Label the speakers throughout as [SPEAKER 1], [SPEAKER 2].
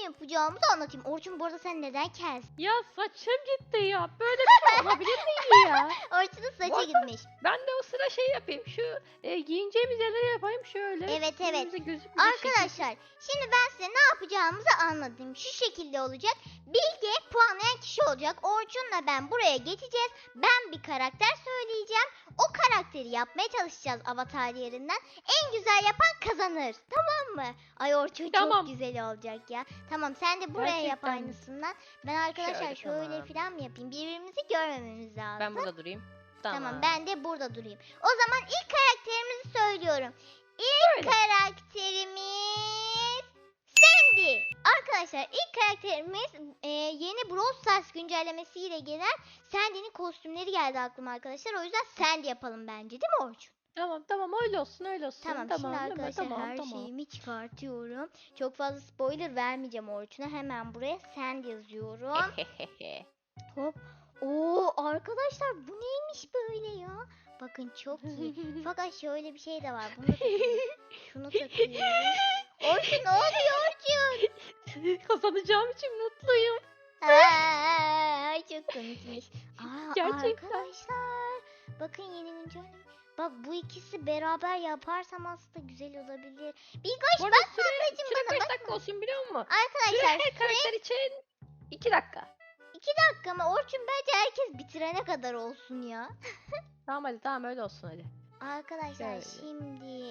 [SPEAKER 1] yapacağımızı anlatayım. Orçun bu arada sen neden kes?
[SPEAKER 2] Ya saçım gitti ya. Böyle bir şey olabilir miydi ya?
[SPEAKER 1] Orçun'un saçı
[SPEAKER 2] Orada-
[SPEAKER 1] gitmiş.
[SPEAKER 2] Ben de o sıra şey yapayım. Şu giyineceğimiz yerleri yapayım şöyle.
[SPEAKER 1] Evet.
[SPEAKER 2] Yüzümüze gözükmeyecek
[SPEAKER 1] Arkadaşlar şimdi ben size ne yapacağımızı anlatayım. Şu şekilde olacak. Bilge puanlayan kişi olacak. Orçun'la ben buraya geçeceğiz. Ben bir karakter söyleyeceğim. O karakteri yapmaya çalışacağız avatar yerinden. En güzel yapan kazanır. Tamam mı? Ay Orçun
[SPEAKER 2] Tamam.
[SPEAKER 1] çok güzel olacak ya. Tamam sen de buraya yap
[SPEAKER 2] Gerçekten mi?
[SPEAKER 1] aynısından. Ben arkadaşlar şöyle
[SPEAKER 2] tamam.
[SPEAKER 1] falan mı yapayım? Birbirimizi görmememiz lazım.
[SPEAKER 2] Ben burada durayım.
[SPEAKER 1] Tamam ben de burada durayım. O zaman ilk karakterimizi söylüyorum. İlk
[SPEAKER 2] Söyle.
[SPEAKER 1] karakterimiz Sandy. Arkadaşlar ilk karakterimiz yeni Brawl Stars güncellemesiyle gelen Sandy'nin kostümleri geldi aklıma arkadaşlar. O yüzden Sandy yapalım bence değil mi Orçun?
[SPEAKER 2] Tamam öyle olsun öyle olsun.
[SPEAKER 1] Tamam,
[SPEAKER 2] değil
[SPEAKER 1] şimdi
[SPEAKER 2] mi?
[SPEAKER 1] arkadaşlar
[SPEAKER 2] Tamam,
[SPEAKER 1] her
[SPEAKER 2] tamam.
[SPEAKER 1] şeyimi çıkartıyorum. Çok fazla spoiler vermeyeceğim Orçun'a. Hemen buraya Sandy yazıyorum. Hop. Oo arkadaşlar bu neymiş böyle ya? Bakın çok iyi. Fakat şöyle bir şey de var. Bunu da şunu takıyorum. Orçun ne oluyor Orçun?
[SPEAKER 2] Kazanacağım için mutluyum.
[SPEAKER 1] Ay çok komikmiş.
[SPEAKER 2] Gerçekten.
[SPEAKER 1] Arkadaşlar bakın yeni güncelleme. Bak bu ikisi beraber yaparsam aslında güzel olabilir. Bilgoş
[SPEAKER 2] Bu arada
[SPEAKER 1] bak
[SPEAKER 2] süre
[SPEAKER 1] ablacığım bana
[SPEAKER 2] kaç
[SPEAKER 1] bak.
[SPEAKER 2] dakika olsun biliyor musun?
[SPEAKER 1] Arkadaşlar
[SPEAKER 2] Süre her karakter için 2 dakika.
[SPEAKER 1] 2 dakika mı? Orçun bence herkes bitirene kadar olsun ya.
[SPEAKER 2] Tamam öyle olsun hadi.
[SPEAKER 1] Arkadaşlar
[SPEAKER 2] Şöyle.
[SPEAKER 1] şimdi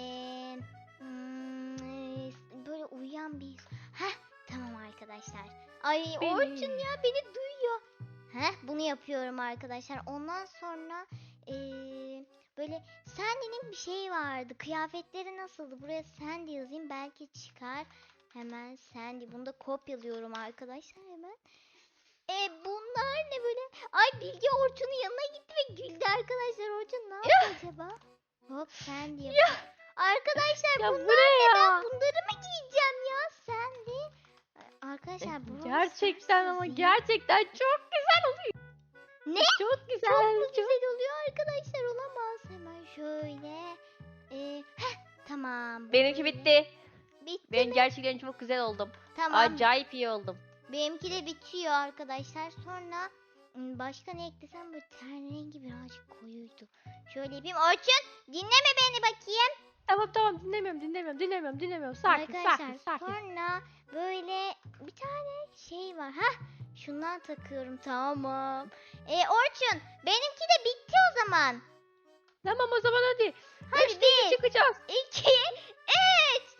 [SPEAKER 1] böyle uyuyan bir... Heh tamam arkadaşlar. Ay
[SPEAKER 2] Beni-
[SPEAKER 1] Orçun ya beni duyuyor. Heh bunu yapıyorum arkadaşlar. Ondan sonra böyle Sandy'nin bir şeyi vardı. Kıyafetleri nasıldı? Buraya Sandy yazayım belki çıkar. Hemen Sandy. Bunu da kopyalıyorum arkadaşlar hemen. Bunlar ne böyle? Ay Bilge Orçun'un yanına gitti ve güldü arkadaşlar. Orçun ne yaptı acaba? Hop Sandy yapıyor. Arkadaşlar
[SPEAKER 2] Ya
[SPEAKER 1] bunlar
[SPEAKER 2] bu ne ya?
[SPEAKER 1] ben bunları mı giyeceğim ya Sandy? Arkadaşlar bu
[SPEAKER 2] Gerçekten ama gerçekten çok güzel oluyor.
[SPEAKER 1] Ne?
[SPEAKER 2] Çok güzel.
[SPEAKER 1] Çok mu güzel oluyor arkadaşlar olamaz. Hemen şöyle. Tamam.
[SPEAKER 2] Benimki bitti.
[SPEAKER 1] Bitti
[SPEAKER 2] Ben
[SPEAKER 1] mi?
[SPEAKER 2] gerçekten çok güzel oldum.
[SPEAKER 1] Tamam.
[SPEAKER 2] Acayip iyi oldum.
[SPEAKER 1] Benimki de bitiyor arkadaşlar. Sonra başka ne eklesem böyle ten rengi birazcık koyuydu. Şöyle yapayım. Orçun dinleme beni bakayım.
[SPEAKER 2] Tamam dinlemiyorum. Sakin.
[SPEAKER 1] Arkadaşlar sonra böyle bir tane şey var. Şundan takıyorum tamam. Orçun benimki de bitti o zaman.
[SPEAKER 2] Tamam o zaman hadi.
[SPEAKER 1] Hadi
[SPEAKER 2] Üçte iki çıkacağız.
[SPEAKER 1] 2 3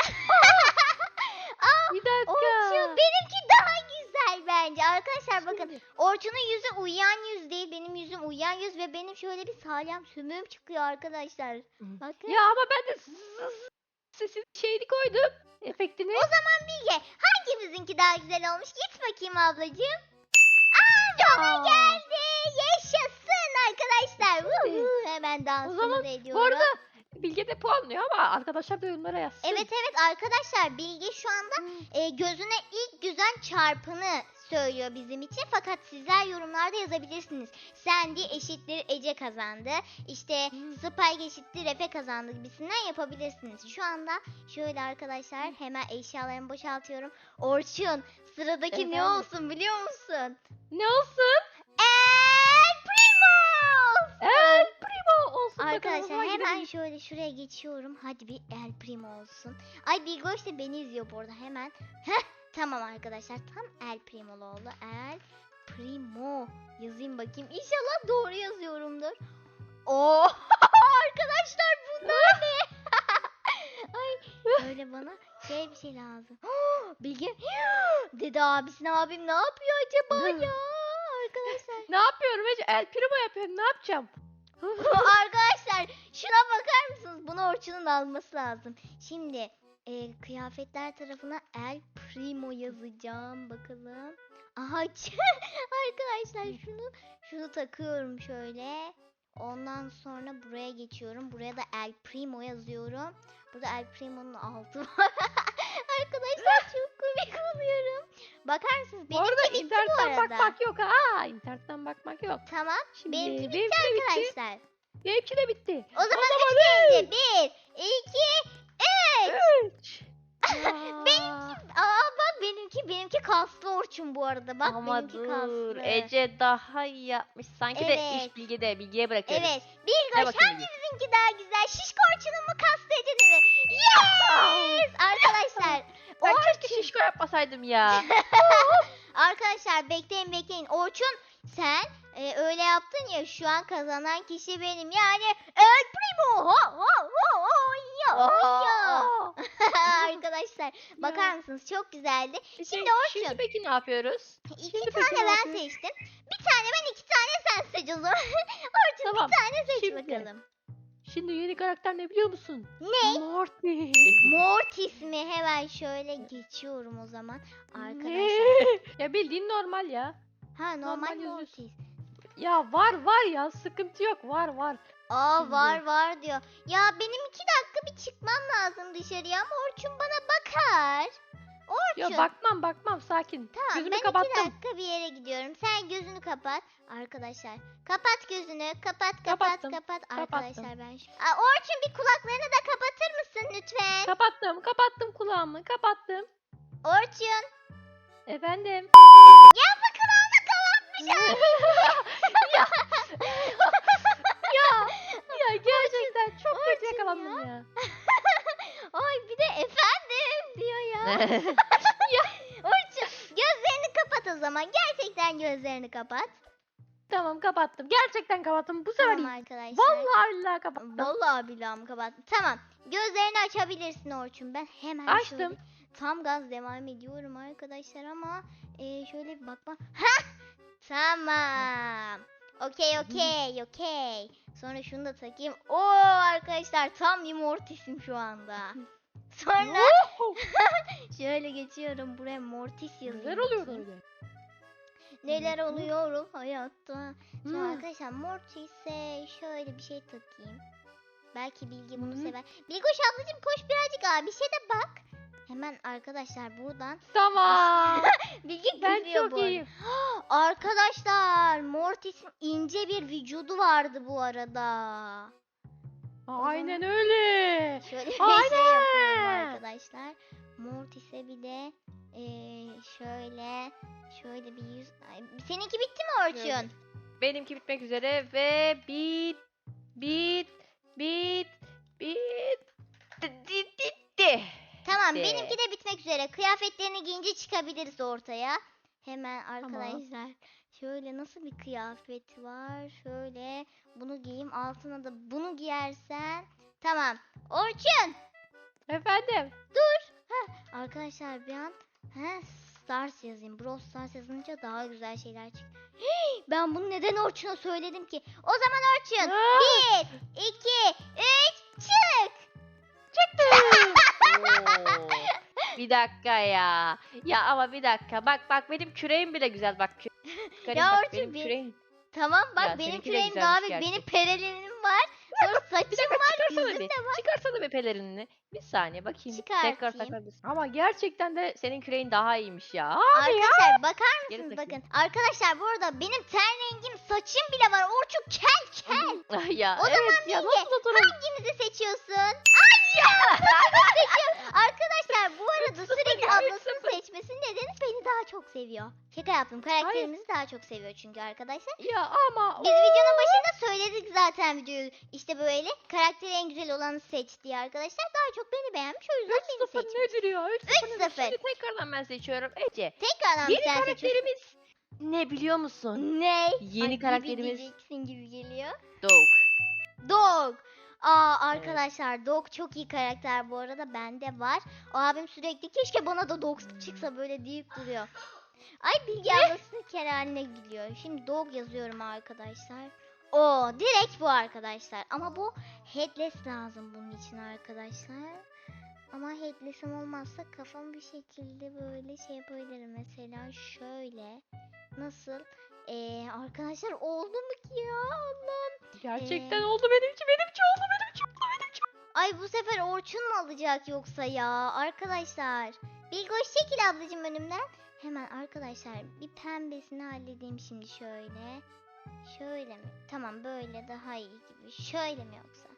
[SPEAKER 2] Bir dakika.
[SPEAKER 1] Orçun benimki daha güzel bence. Arkadaşlar bakın
[SPEAKER 2] Şimdi.
[SPEAKER 1] Orçun'un yüzü uyuyan yüz değil. Benim yüzüm uyuyan yüz ve benim şöyle bir salyan sümüğüm çıkıyor arkadaşlar. Bakın.
[SPEAKER 2] Ya ama ben de sesin şeyini koydum. Efektini.
[SPEAKER 1] O zaman Bilge hangimizinki daha güzel olmuş? Git bakayım ablacığım. Bana geldi. Yaşasın arkadaşlar. Hemen
[SPEAKER 2] O
[SPEAKER 1] dansımı
[SPEAKER 2] zaman
[SPEAKER 1] da ediyorum.
[SPEAKER 2] bu arada Bilge de puanlıyor ama arkadaşlar da yorumlara yazsın.
[SPEAKER 1] Evet arkadaşlar Bilge şu anda gözüne ilk güzel çarpını söylüyor bizim için. Fakat sizler yorumlarda yazabilirsiniz. Sandy eşittir Ece kazandı. İşte Spike eşittir Efe kazandı gibisinden yapabilirsiniz. Şu anda şöyle arkadaşlar hemen eşyalarımı boşaltıyorum. Orçun sıradaki ne
[SPEAKER 2] Efendim?
[SPEAKER 1] olsun biliyor musun?
[SPEAKER 2] Ne olsun?
[SPEAKER 1] El Primo!
[SPEAKER 2] El Primo olsun. bakalım, o
[SPEAKER 1] Arkadaşlar
[SPEAKER 2] zaman
[SPEAKER 1] hemen
[SPEAKER 2] gidelim.
[SPEAKER 1] şöyle şuraya geçiyorum. Hadi bir El Primo olsun. Ay Bilgoş da beni izliyor bu arada hemen. Tamam arkadaşlar tam El Primo'lu oldu. El Primo yazayım bakayım. İnşallah doğru yazıyorumdur. Oo arkadaşlar bunlar ne? Ay böyle bana bir şey lazım. Bilge dedi abisine abim ne yapıyor acaba ya arkadaşlar.
[SPEAKER 2] Ne yapıyorum Ece? El Primo yapıyorum. Ne yapacağım?
[SPEAKER 1] Arkadaşlar şuna bakar mısınız? Bunu Orçun'un alması lazım. Şimdi kıyafetler tarafına El Primo yazacağım. Bakalım. Aha arkadaşlar şunu takıyorum şöyle. Ondan sonra buraya geçiyorum. Buraya da El Primo yazıyorum. Burada El Primo'nun altı var. Arkadaşlar çok komik oluyorum. Bakar mısınız?
[SPEAKER 2] Bu arada
[SPEAKER 1] Benimki bitti bu
[SPEAKER 2] internetten
[SPEAKER 1] arada.
[SPEAKER 2] bakmak yok ha. İnternetten bakmak yok.
[SPEAKER 1] Tamam.
[SPEAKER 2] Şimdi
[SPEAKER 1] Benimki bitti
[SPEAKER 2] benimki de bitti.
[SPEAKER 1] arkadaşlar.
[SPEAKER 2] Benimki de bitti.
[SPEAKER 1] O zaman 3 deyince 1, 2, 3.
[SPEAKER 2] Üç. Ya.
[SPEAKER 1] Bak benimki kaslı Orçun bu arada. Bak
[SPEAKER 2] Ama
[SPEAKER 1] benimki
[SPEAKER 2] dur.
[SPEAKER 1] kaslı.
[SPEAKER 2] Ece daha iyi yapmış. Sanki de
[SPEAKER 1] Evet.
[SPEAKER 2] iş Bilge'de. Bilge'ye bırakıyoruz.
[SPEAKER 1] Evet.
[SPEAKER 2] Ver
[SPEAKER 1] Bilgoş
[SPEAKER 2] bakayım Bilge.
[SPEAKER 1] hangimizinki daha güzel? Şişko Orçun'un mu kaslı Ece'nin mi? Yes! Arkadaşlar.
[SPEAKER 2] Ben keşke
[SPEAKER 1] Orçun.
[SPEAKER 2] şişko yapmasaydım ya.
[SPEAKER 1] Arkadaşlar bekleyin. Orçun sen öyle yaptın ya, şu an kazanan kişi benim. Yani El Primo. Ya. Arkadaşlar bakar mısınız? Çok güzeldi. Şimdi Orçun.
[SPEAKER 2] Şimdi peki ne yapıyoruz?
[SPEAKER 1] İki
[SPEAKER 2] Şimdi peki
[SPEAKER 1] tane
[SPEAKER 2] ne
[SPEAKER 1] ben
[SPEAKER 2] yapıyoruz?
[SPEAKER 1] seçtim. Bir tane ben, iki tane sen seç o zaman. Orçun
[SPEAKER 2] Tamam.
[SPEAKER 1] bir tane seç
[SPEAKER 2] Şimdi.
[SPEAKER 1] bakalım.
[SPEAKER 2] Şimdi yeni karakter ne biliyor musun?
[SPEAKER 1] Ne?
[SPEAKER 2] Morty.
[SPEAKER 1] Mortis mi? Hemen şöyle geçiyorum o zaman. Arkadaşlar.
[SPEAKER 2] Ne? Ya bildiğin normal ya.
[SPEAKER 1] Ha, normal
[SPEAKER 2] Normal yazıyorsun.
[SPEAKER 1] Mortis.
[SPEAKER 2] Ya var ya, sıkıntı yok, var.
[SPEAKER 1] Aa,
[SPEAKER 2] Şimdi.
[SPEAKER 1] var diyor. Ya benim 2 dakika bir çıkmam lazım dışarıya ama Orçun bana bakar. Orçun.
[SPEAKER 2] Ya bakmam, sakin.
[SPEAKER 1] Tamam,
[SPEAKER 2] Gözümü
[SPEAKER 1] ben 2
[SPEAKER 2] kapattım.
[SPEAKER 1] dakika bir yere gidiyorum. Sen gözünü kapat. Arkadaşlar kapat gözünü. Kapat.
[SPEAKER 2] Kapattım.
[SPEAKER 1] Arkadaşlar ben şu... Orçun bir kulaklarını da kapatır mısın lütfen?
[SPEAKER 2] Kapattım kulağımı, kapattım.
[SPEAKER 1] Orçun.
[SPEAKER 2] Efendim.
[SPEAKER 1] Ya bu kulağını kapatmış abi.
[SPEAKER 2] ya, ya gerçekten çok kötü
[SPEAKER 1] Orçun
[SPEAKER 2] yakalandım ya.
[SPEAKER 1] Ay bir de efendim diyor ya. Orçun gözlerini kapat o zaman. Gerçekten gözlerini kapat.
[SPEAKER 2] Tamam, kapattım. Gerçekten kapattım. Bu sefer
[SPEAKER 1] Tamam
[SPEAKER 2] iyi.
[SPEAKER 1] arkadaşlar.
[SPEAKER 2] Vallahi billahi kapattım.
[SPEAKER 1] Vallahi billahi kapattım. Tamam. Gözlerini açabilirsin Orçun. Ben hemen
[SPEAKER 2] Açtım.
[SPEAKER 1] şöyle tam gaz devam ediyorum arkadaşlar ama şöyle bir bakma. Hah! Tamam. Okey. Sonra şunu da takayım. Oo arkadaşlar tam bir Mortis'im şu anda. Sonra şöyle geçiyorum buraya Mortis yazayım.
[SPEAKER 2] Neler oluyor
[SPEAKER 1] bakayım.
[SPEAKER 2] öyle?
[SPEAKER 1] Neler oluyor hayatta. Şimdi
[SPEAKER 2] Hmm.
[SPEAKER 1] arkadaşlar Mortis'e şöyle bir şey takayım. Belki Bilge bunu
[SPEAKER 2] Hmm.
[SPEAKER 1] sever. Bilgoş ablacığım koş birazcık abi şey de bak. Hemen arkadaşlar buradan.
[SPEAKER 2] Tamam.
[SPEAKER 1] Bilge
[SPEAKER 2] Ben
[SPEAKER 1] gülüyor
[SPEAKER 2] çok
[SPEAKER 1] bu arada.
[SPEAKER 2] iyiyim.
[SPEAKER 1] Arkadaşlar Mortis'in ince bir vücudu vardı bu arada.
[SPEAKER 2] Aynen öyle.
[SPEAKER 1] Şöyle bir şey yapıyorum
[SPEAKER 2] Aynen.
[SPEAKER 1] arkadaşlar. Mortis'e bir de şöyle bir yüz. Ay, seninki bitti mi Orçun?
[SPEAKER 2] Şöyle. Benimki bitmek üzere ve bitti.
[SPEAKER 1] Tamam
[SPEAKER 2] Bitti.
[SPEAKER 1] benimki de bitmek üzere. Kıyafetlerini giyince çıkabiliriz ortaya. Hemen arkadaşlar. Şöyle nasıl bir kıyafet var? Şöyle bunu giyeyim. Altına da bunu giyersen. Tamam. Orçun.
[SPEAKER 2] Efendim.
[SPEAKER 1] Arkadaşlar bir an Stars yazayım. Brawl Stars yazınca daha güzel şeyler çık. Ben bunu neden Orçun'a söyledim ki? O zaman Orçun.
[SPEAKER 2] Aa,
[SPEAKER 1] 1, 2, 3 çık.
[SPEAKER 2] çıktım. Oo. Bir dakika ya. Ya ama bir dakika. Bak benim küreğim bile güzel bak.
[SPEAKER 1] Ya
[SPEAKER 2] Bak,
[SPEAKER 1] Orçun,
[SPEAKER 2] benim
[SPEAKER 1] bir-
[SPEAKER 2] küreğim.
[SPEAKER 1] Tamam bak
[SPEAKER 2] Ya
[SPEAKER 1] benim
[SPEAKER 2] seninki de
[SPEAKER 1] küreğim
[SPEAKER 2] güzelmiş
[SPEAKER 1] daha büyük.
[SPEAKER 2] gerçi.
[SPEAKER 1] Benim perelerim var. Sonra
[SPEAKER 2] Bir
[SPEAKER 1] saçım
[SPEAKER 2] dakika
[SPEAKER 1] var.
[SPEAKER 2] çıkarsana
[SPEAKER 1] Yüzüm
[SPEAKER 2] bir.
[SPEAKER 1] de var.
[SPEAKER 2] Çıkarsana bir pelerinini. Bir saniye bakayım. Tekrar
[SPEAKER 1] Çıkartayım.
[SPEAKER 2] takabilirsin. Ama gerçekten de senin küreğin daha iyiymiş ya. Abi ya.
[SPEAKER 1] Arkadaşlar bakar
[SPEAKER 2] Geri
[SPEAKER 1] mısınız
[SPEAKER 2] takayım.
[SPEAKER 1] bakın. Arkadaşlar bu arada benim ten rengim saçım bile var. Orçun kel.
[SPEAKER 2] Ya
[SPEAKER 1] O
[SPEAKER 2] evet
[SPEAKER 1] zaman
[SPEAKER 2] ya
[SPEAKER 1] Bilge,
[SPEAKER 2] nasıl oturalım?
[SPEAKER 1] Hangimizi seçiyorsun? Ay ya! Arkadaşlar bu arada
[SPEAKER 2] 3-0
[SPEAKER 1] sürekli
[SPEAKER 2] ya,
[SPEAKER 1] ablasını
[SPEAKER 2] 3-0.
[SPEAKER 1] seçmesinin nedeni beni daha çok seviyor. Şaka yaptım. Karakterimizi daha çok seviyor çünkü arkadaşlar.
[SPEAKER 2] Ya ama
[SPEAKER 1] Biz videonun başında söyledik zaten videoyu. İşte böyle karakteri en güzel olanı seç diye arkadaşlar. Daha çok beni beğenmiş o yüzden beni
[SPEAKER 2] 3-0
[SPEAKER 1] seçmiş.
[SPEAKER 2] nedir ya? 3-0.
[SPEAKER 1] 3-0.
[SPEAKER 2] Şimdi tekrardan ben seçiyorum. Ece.
[SPEAKER 1] Tekrardan
[SPEAKER 2] Yeni
[SPEAKER 1] sen seçiyorsun.
[SPEAKER 2] karakterimiz ne biliyor musun?
[SPEAKER 1] Ne?
[SPEAKER 2] Yeni
[SPEAKER 1] Ay,
[SPEAKER 2] karakterimiz-
[SPEAKER 1] diyeceksin gibi geliyor.
[SPEAKER 2] Dog.
[SPEAKER 1] Dog. Arkadaşlar Dog çok iyi karakter bu arada. Bende var. O abim sürekli keşke bana da Dog çıksa böyle deyip duruyor. Ay Bilge ablasının Kerem'ine gülüyor. Şimdi Dog yazıyorum arkadaşlar. Direkt bu arkadaşlar. Ama bu headless lazım bunun için arkadaşlar. Ama headless'im olmazsa kafam bir şekilde böyle şey yapabilirim. Mesela şöyle. Nasıl? Arkadaşlar oldu mu ki ya? Allah'ım.
[SPEAKER 2] Gerçekten oldu benimki oldu benimki.
[SPEAKER 1] Ay bu sefer Orçun mu alacak yoksa ya? Arkadaşlar. Bilgoş çekil ablacığım önümden. Hemen arkadaşlar bir pembesini halledeyim şimdi şöyle. Şöyle mi? Tamam böyle daha iyi gibi. Şöyle mi yoksa?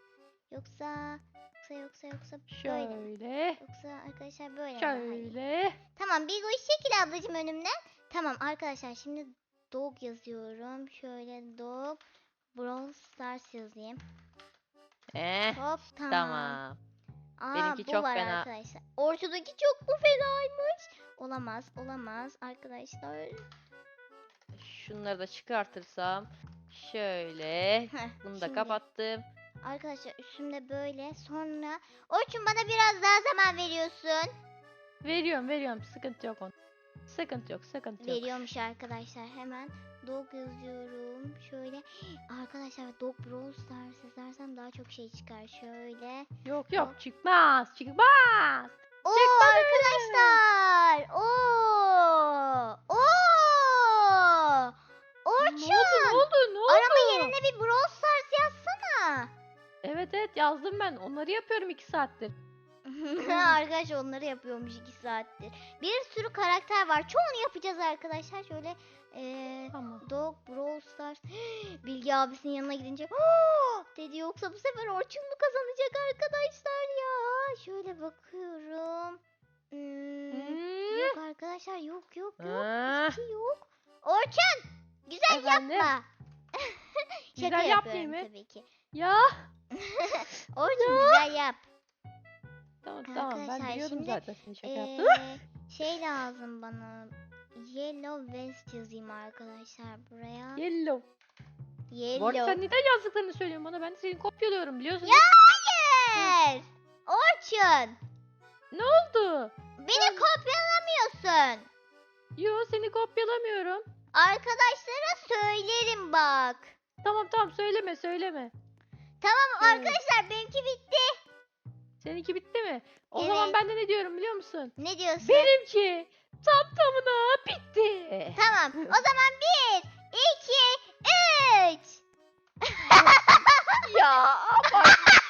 [SPEAKER 1] Yoksa böyle mi?
[SPEAKER 2] Şöyle.
[SPEAKER 1] Yoksa arkadaşlar böyle mi daha iyi?
[SPEAKER 2] Şöyle.
[SPEAKER 1] Tamam Tamam Bilgoş çekil ablacığım önümden. Tamam arkadaşlar şimdi dog yazıyorum. Şöyle dog Brawl Stars yazayım. Hop tamam.
[SPEAKER 2] Tamam.
[SPEAKER 1] Aa
[SPEAKER 2] Benimki
[SPEAKER 1] bu
[SPEAKER 2] çok
[SPEAKER 1] var
[SPEAKER 2] fena.
[SPEAKER 1] arkadaşlar. Ortadaki çok mu fenaymış? Olamaz arkadaşlar.
[SPEAKER 2] Şunları da çıkartırsam. Şöyle.
[SPEAKER 1] Heh,
[SPEAKER 2] Bunu da
[SPEAKER 1] şimdi
[SPEAKER 2] kapattım.
[SPEAKER 1] arkadaşlar üstümde böyle. Sonra Orçun bana biraz daha zaman veriyorsun.
[SPEAKER 2] Veriyorum. Sıkıntı yok onun. Sıkıntı yok.
[SPEAKER 1] Veriyormuş arkadaşlar. Hemen dog yazıyorum. Şöyle. Arkadaşlar dog Brawl Stars yazarsam daha çok şey çıkar. Şöyle.
[SPEAKER 2] Yok çıkmaz.
[SPEAKER 1] Oo
[SPEAKER 2] Çıkmadı.
[SPEAKER 1] arkadaşlar. Oo. Orçun.
[SPEAKER 2] Ne oldu?
[SPEAKER 1] Arama yerine bir Brawl Stars yazsana.
[SPEAKER 2] Evet yazdım ben. Onları yapıyorum 2 saattir.
[SPEAKER 1] Arkadaş onları yapıyormuş 2 saattir. Bir sürü karakter var. Çoğunu yapacağız arkadaşlar. Şöyle
[SPEAKER 2] Tamam.
[SPEAKER 1] Dog Brawl Stars. Bilgi abisinin yanına gidince dedi, yoksa bu sefer Orçun mu kazanacak arkadaşlar ya? Şöyle bakıyorum. Yok arkadaşlar yok.
[SPEAKER 2] Ah,
[SPEAKER 1] Hiç yok. Orçun güzel
[SPEAKER 2] Efendim?
[SPEAKER 1] yapma. Şaka
[SPEAKER 2] Güzel yapmayayım
[SPEAKER 1] yapıyorum
[SPEAKER 2] mı?
[SPEAKER 1] tabii ki.
[SPEAKER 2] Ya.
[SPEAKER 1] Orçun güzel yap.
[SPEAKER 2] Tamam
[SPEAKER 1] Arkadaşlar,
[SPEAKER 2] ben biliyordum
[SPEAKER 1] şimdi,
[SPEAKER 2] zaten seni şaka yaptım.
[SPEAKER 1] Şey lazım bana. Yellow vest yazayım arkadaşlar buraya.
[SPEAKER 2] Yellow. Bu arada
[SPEAKER 1] Yellow.
[SPEAKER 2] sen neden yazdıklarını söylüyorsun bana? Ben de seni kopyalıyorum biliyorsun.
[SPEAKER 1] Ya hayır. Orçun.
[SPEAKER 2] Ne oldu?
[SPEAKER 1] Beni kopyalamıyorsun.
[SPEAKER 2] Yo seni kopyalamıyorum.
[SPEAKER 1] Arkadaşlara söylerim bak.
[SPEAKER 2] Tamam söyleme.
[SPEAKER 1] Tamam
[SPEAKER 2] Evet.
[SPEAKER 1] arkadaşlar benimki bitti.
[SPEAKER 2] Seninki bitti mi? O
[SPEAKER 1] Evet.
[SPEAKER 2] zaman ben de ne diyorum biliyor musun?
[SPEAKER 1] Ne diyorsun?
[SPEAKER 2] Benimki tam tamına bitti.
[SPEAKER 1] Tamam. O zaman 1, 2, 3.
[SPEAKER 2] Ya ama.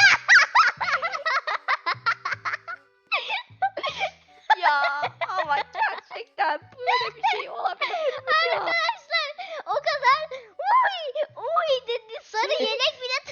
[SPEAKER 2] Ya ama gerçekten böyle bir şey olabilir mi ya?
[SPEAKER 1] Arkadaşlar o kadar uy dedi, sarı yelek bile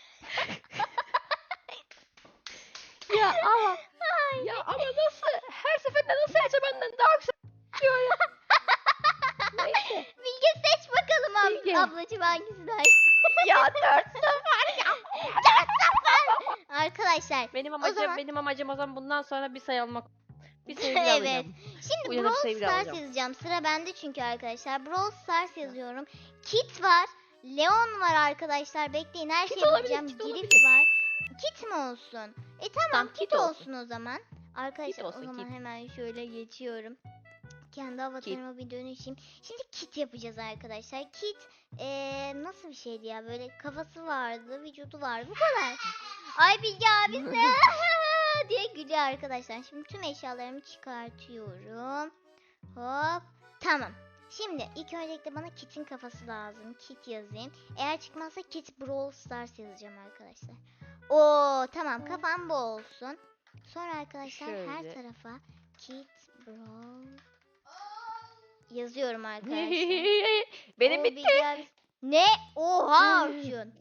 [SPEAKER 2] Ya ama nasıl her seferinde nasıl Ece benden daha güzel diyor ya. Neyse.
[SPEAKER 1] Bilge seç bakalım
[SPEAKER 2] Bilge.
[SPEAKER 1] ablacığım hangisinden.
[SPEAKER 2] Ya 4-0 ya.
[SPEAKER 1] Arkadaşlar zaman-
[SPEAKER 2] Benim amacım o zaman bundan sonra bir sayı almak. Bir sayı bile
[SPEAKER 1] Evet.
[SPEAKER 2] alacağım.
[SPEAKER 1] şimdi
[SPEAKER 2] Uyanıp
[SPEAKER 1] Brawl
[SPEAKER 2] sayı bile
[SPEAKER 1] Stars
[SPEAKER 2] alacağım.
[SPEAKER 1] yazacağım. Sıra bende çünkü arkadaşlar. Brawl Stars yazıyorum. Kit var. Leon var arkadaşlar. Bekleyin her
[SPEAKER 2] Kit
[SPEAKER 1] şeyi
[SPEAKER 2] olabilir,
[SPEAKER 1] bulacağım.
[SPEAKER 2] kit
[SPEAKER 1] Grif
[SPEAKER 2] olabilir.
[SPEAKER 1] var. Kit mi olsun? Tamam
[SPEAKER 2] Tamam,
[SPEAKER 1] kit
[SPEAKER 2] kit
[SPEAKER 1] olsun
[SPEAKER 2] olsun.
[SPEAKER 1] o zaman. Arkadaşlar
[SPEAKER 2] olsun,
[SPEAKER 1] o zaman
[SPEAKER 2] kit.
[SPEAKER 1] hemen şöyle geçiyorum. Kendi avatarıma bir dönüşeyim. Şimdi kit yapacağız arkadaşlar. Kit nasıl bir şeydi ya? Böyle kafası vardı, vücudu vardı. Bu kadar. Ay Bilge abisi diye gülüyor arkadaşlar. Şimdi tüm eşyalarımı çıkartıyorum. Hop. Tamam. Şimdi ilk öncelikle bana Kit'in kafası lazım. Kit yazayım. Eğer çıkmazsa Kit Brawl Stars yazacağım arkadaşlar. Oo tamam, kafam bu olsun. Sonra arkadaşlar her
[SPEAKER 2] Şöyle.
[SPEAKER 1] tarafa Kit Brawl yazıyorum arkadaşlar.
[SPEAKER 2] Benim
[SPEAKER 1] Oo,
[SPEAKER 2] bitti.
[SPEAKER 1] Bilge abi- Ne? Oha Orçun.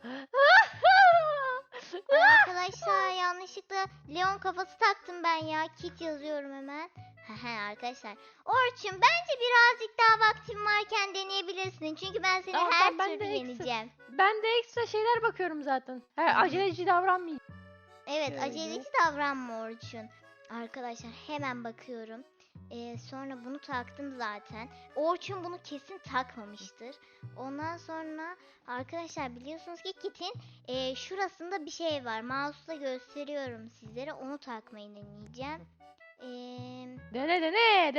[SPEAKER 1] Arkadaşlar yanlışlıkla Leon kafası taktım ben ya. Kit yazıyorum hemen. Arkadaşlar. Orçun bence birazcık daha vaktin varken deneyebilirsin. Çünkü ben seni
[SPEAKER 2] Tamam,
[SPEAKER 1] her
[SPEAKER 2] tamam, ben
[SPEAKER 1] türlü
[SPEAKER 2] de
[SPEAKER 1] yeneceğim.
[SPEAKER 2] Ben de ekstra şeyler bakıyorum zaten. Aceleci davranmayayım.
[SPEAKER 1] Evet
[SPEAKER 2] Şöyle.
[SPEAKER 1] aceleci davranma Orçun. Arkadaşlar hemen bakıyorum. Sonra bunu taktım zaten. Orçun bunu kesin takmamıştır. Ondan sonra arkadaşlar biliyorsunuz ki Kit'in şurasında bir şey var. Mouse'la gösteriyorum sizlere. Onu takmayı deneyeceğim.
[SPEAKER 2] Dene.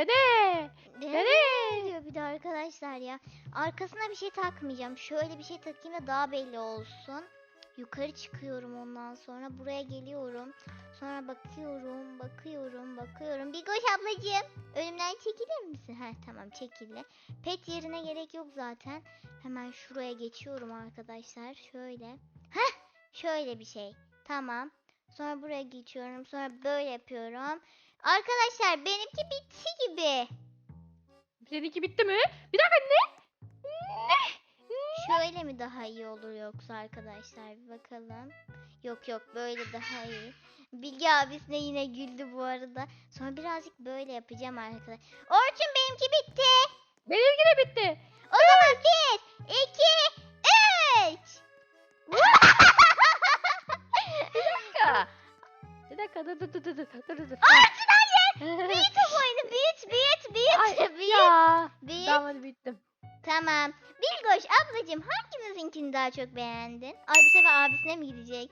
[SPEAKER 1] Ne diyor bir de arkadaşlar ya. Arkasına bir şey takmayacağım. Şöyle bir şey takayım da daha belli olsun. Yukarı çıkıyorum ondan sonra. Buraya geliyorum. Sonra bakıyorum. Bigoş ablacığım. Önümden çekilir misin? Tamam çekildi. Pet yerine gerek yok zaten. Hemen şuraya geçiyorum arkadaşlar. Şöyle. Şöyle bir şey. Tamam. Sonra buraya geçiyorum. Sonra böyle yapıyorum. Arkadaşlar benimki bitti gibi.
[SPEAKER 2] Seninki bitti mi? Bir dakika ne?
[SPEAKER 1] Şöyle mi daha iyi olur yoksa arkadaşlar bir bakalım. Yok yok, böyle daha iyi. Bilge abisine yine güldü bu arada. Sonra birazcık böyle yapacağım arkadaşlar. Orçun, benimki bitti.
[SPEAKER 2] Benimki de bitti.
[SPEAKER 1] O zaman 1, 2, 3.
[SPEAKER 2] Ya. Bir dakika dur.
[SPEAKER 1] Orçun hayır. Büyüt o boyunu.
[SPEAKER 2] Ay,
[SPEAKER 1] Büyüt.
[SPEAKER 2] ya.
[SPEAKER 1] Büyüt.
[SPEAKER 2] Tamam hadi bittim.
[SPEAKER 1] Tamam. Bilgoş ablacığım, hangimizinkini daha çok beğendin? Ay, bu sefer abisine mi gidecek?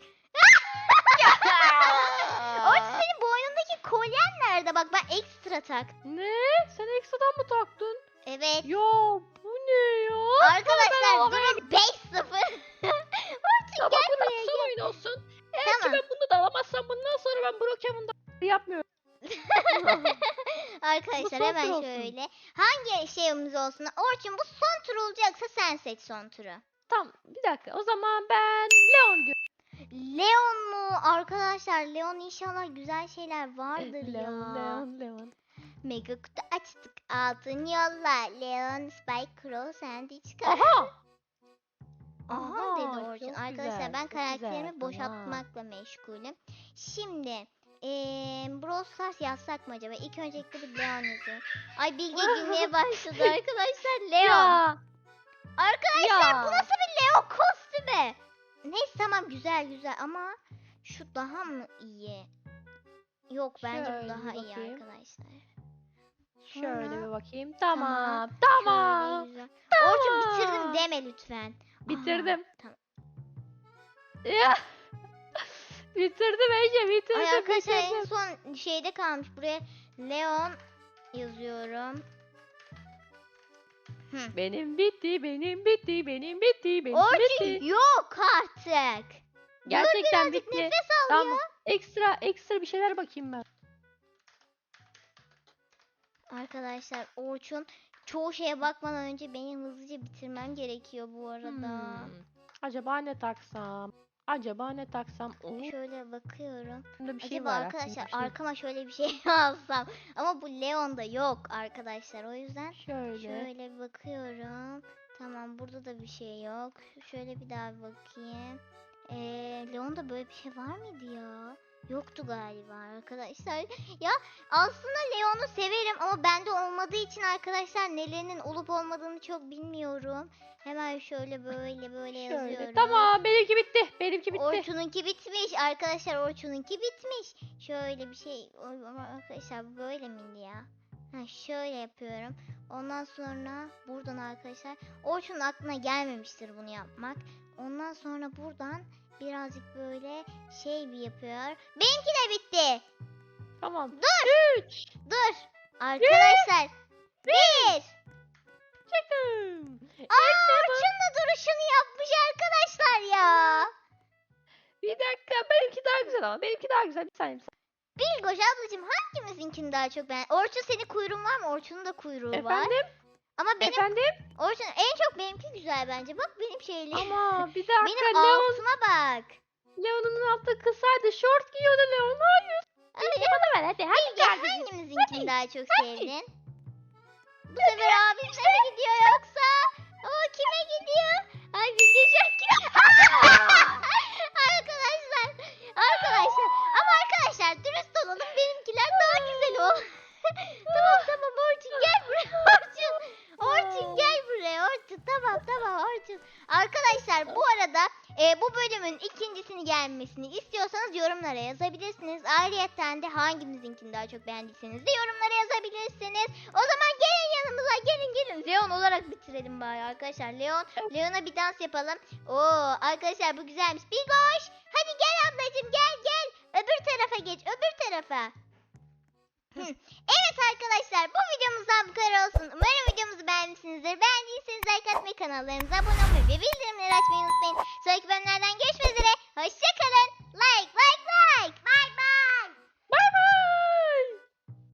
[SPEAKER 1] Orçun, senin boynundaki kolyen nerede? Bak, ben ekstra taktım.
[SPEAKER 2] Ne? Sen ekstradan mı taktın?
[SPEAKER 1] Evet.
[SPEAKER 2] Ya bu ne ya?
[SPEAKER 1] Arkadaşlar
[SPEAKER 2] alamaya
[SPEAKER 1] durum 5-0. Orçun
[SPEAKER 2] Tamam
[SPEAKER 1] gel
[SPEAKER 2] bu da
[SPEAKER 1] buraya,
[SPEAKER 2] son
[SPEAKER 1] gel.
[SPEAKER 2] oyun olsun. Eğer
[SPEAKER 1] Tamam.
[SPEAKER 2] ki ben bunu da alamazsam bundan sonra ben Brokemon'da yapmıyorum.
[SPEAKER 1] Arkadaşlar
[SPEAKER 2] Bu son
[SPEAKER 1] hemen
[SPEAKER 2] tur olsun.
[SPEAKER 1] şöyle. Hangi şeyimiz olsun? Orçun, bu son tur olacaksa sen seç son turu.
[SPEAKER 2] Tamam bir dakika o zaman ben Leon diyorum.
[SPEAKER 1] Leon mu? Arkadaşlar Leon, inşallah güzel şeyler vardır ya.
[SPEAKER 2] Leon.
[SPEAKER 1] Mega kutu açtık. Altın yolla. Leon, Spike, Crow, Sandy çıkar.
[SPEAKER 2] Aha.
[SPEAKER 1] Aha dedi Orçun.
[SPEAKER 2] çok
[SPEAKER 1] Arkadaşlar
[SPEAKER 2] güzel,
[SPEAKER 1] ben
[SPEAKER 2] çok
[SPEAKER 1] karakterimi
[SPEAKER 2] güzel,
[SPEAKER 1] boşaltmakla meşgulüm. Şimdi Brawl Stars yazsak mı acaba? İlk öncelikle bir Leon yazıyorum. Ay, Bilge gülmeye başladı arkadaşlar. Leon.
[SPEAKER 2] Ya.
[SPEAKER 1] Arkadaşlar
[SPEAKER 2] Ya.
[SPEAKER 1] bu nasıl bir Leon kostümü? Neyse tamam, güzel ama şu daha mı iyi? Yok, bence bu
[SPEAKER 2] Şöyle
[SPEAKER 1] daha
[SPEAKER 2] bir
[SPEAKER 1] iyi
[SPEAKER 2] bakayım.
[SPEAKER 1] arkadaşlar.
[SPEAKER 2] Şöyle
[SPEAKER 1] Sonra
[SPEAKER 2] bir bakayım.
[SPEAKER 1] Tamam,
[SPEAKER 2] Tamam.
[SPEAKER 1] şöyle güzel.
[SPEAKER 2] Tamam.
[SPEAKER 1] Orçun, bitirdim deme lütfen.
[SPEAKER 2] Bitirdim.
[SPEAKER 1] Aa, tamam.
[SPEAKER 2] Ya. Bitirdim Ece bitirdim.
[SPEAKER 1] Ay arkadaşlar, en
[SPEAKER 2] bitirdim.
[SPEAKER 1] son şeyde kalmış. Buraya Leon yazıyorum.
[SPEAKER 2] Benim bitti. Benim bitti.
[SPEAKER 1] Orçun yok artık.
[SPEAKER 2] Gerçekten
[SPEAKER 1] Dur, birazcık
[SPEAKER 2] bitti.
[SPEAKER 1] nefes al
[SPEAKER 2] Tamam. Ekstra bir şeyler bakayım ben.
[SPEAKER 1] Arkadaşlar Orçun, çoğu şeye bakmadan önce benim hızlıca bitirmem gerekiyor bu arada.
[SPEAKER 2] Acaba ne taksam? Oo,
[SPEAKER 1] Şöyle bakıyorum.
[SPEAKER 2] bunda bir şey
[SPEAKER 1] Acaba
[SPEAKER 2] var.
[SPEAKER 1] arkadaşlar
[SPEAKER 2] aklımda bir şey.
[SPEAKER 1] arkama şöyle bir şey alsam. Ama bu Leon'da yok arkadaşlar. O yüzden
[SPEAKER 2] Şöyle.
[SPEAKER 1] şöyle bir bakıyorum. Tamam, burada da bir şey yok. Şöyle bir daha bir bakayım. Leon'da böyle bir şey var mıydı ya? Yoktu galiba arkadaşlar. Ya aslında Leon'u severim ama bende olmadığı için arkadaşlar nelerinin olup olmadığını çok bilmiyorum. Hemen şöyle böyle yazıyorum.
[SPEAKER 2] Şöyle. Tamam benimki bitti.
[SPEAKER 1] Orçun'unki bitmiş arkadaşlar, Orçun'unki bitmiş. Şöyle bir şey ama arkadaşlar, bu böyle miydi ya? Ha, şöyle yapıyorum. Ondan sonra buradan arkadaşlar, Orçun'un aklına gelmemiştir bunu yapmak. Ondan sonra buradan birazcık böyle şey bir yapıyor. Benimki de bitti.
[SPEAKER 2] Tamam.
[SPEAKER 1] Dur.
[SPEAKER 2] 3.
[SPEAKER 1] Dur. Arkadaşlar. 1.
[SPEAKER 2] Çıkın.
[SPEAKER 1] Orçun da duruşunu yapmış arkadaşlar ya.
[SPEAKER 2] Bir dakika benimki daha güzel ama. Bir saniye.
[SPEAKER 1] Bilgoş ablacığım, hangimizinkini daha çok beğendin? Orçun, senin kuyruğun var mı? Orçun'un da kuyruğu var.
[SPEAKER 2] Efendim?
[SPEAKER 1] Ama benim
[SPEAKER 2] Efendim?
[SPEAKER 1] Orçun, en çok benimki güzel bence. Bak benim şeylerim.
[SPEAKER 2] Ama bir dakika
[SPEAKER 1] Benim
[SPEAKER 2] Leon.
[SPEAKER 1] altıma bak.
[SPEAKER 2] Leon'un altı kısaydı. Short giyiyordu Leon. Hayır.
[SPEAKER 1] Hadi,
[SPEAKER 2] Bana ver hadi. Hadi
[SPEAKER 1] Bilge,
[SPEAKER 2] gel.
[SPEAKER 1] hangimizinkini daha çok sevdin? Bu sefer abisine mi gidiyor yoksa? O kime gidiyor? Ay, Bilge şu an arkadaşlar. Ama arkadaşlar dürüst olalım, benimkiler daha güzel o. Tamam Orçun gel buraya Orçun gel buraya Orçun. Tamam Orçun. Arkadaşlar bu arada bu bölümün ikincisini gelmesini istiyorsanız yorumlara yazabilirsiniz. Ayrıyeten de hangimizinkini daha çok beğendiyseniz de yorumlara yazabilirsiniz. O zaman gelin yanımıza, gelin. Leon olarak bitirelim bari arkadaşlar. Leon'a bir dans yapalım. Oo arkadaşlar, bu güzelmiş. Bigoş, hadi gel ablacığım, gel. Öbür tarafa geç, öbür tarafa. Evet arkadaşlar, bu videomuzdan bu kadar olsun. Umarım videomuzu beğenmişsinizdir. Beğendiyseniz like atmayı, kanallarımıza abone olmayı ve bildirimleri açmayı unutmayın. Sonraki bölümlerden görüşmek üzere. Hoşçakalın.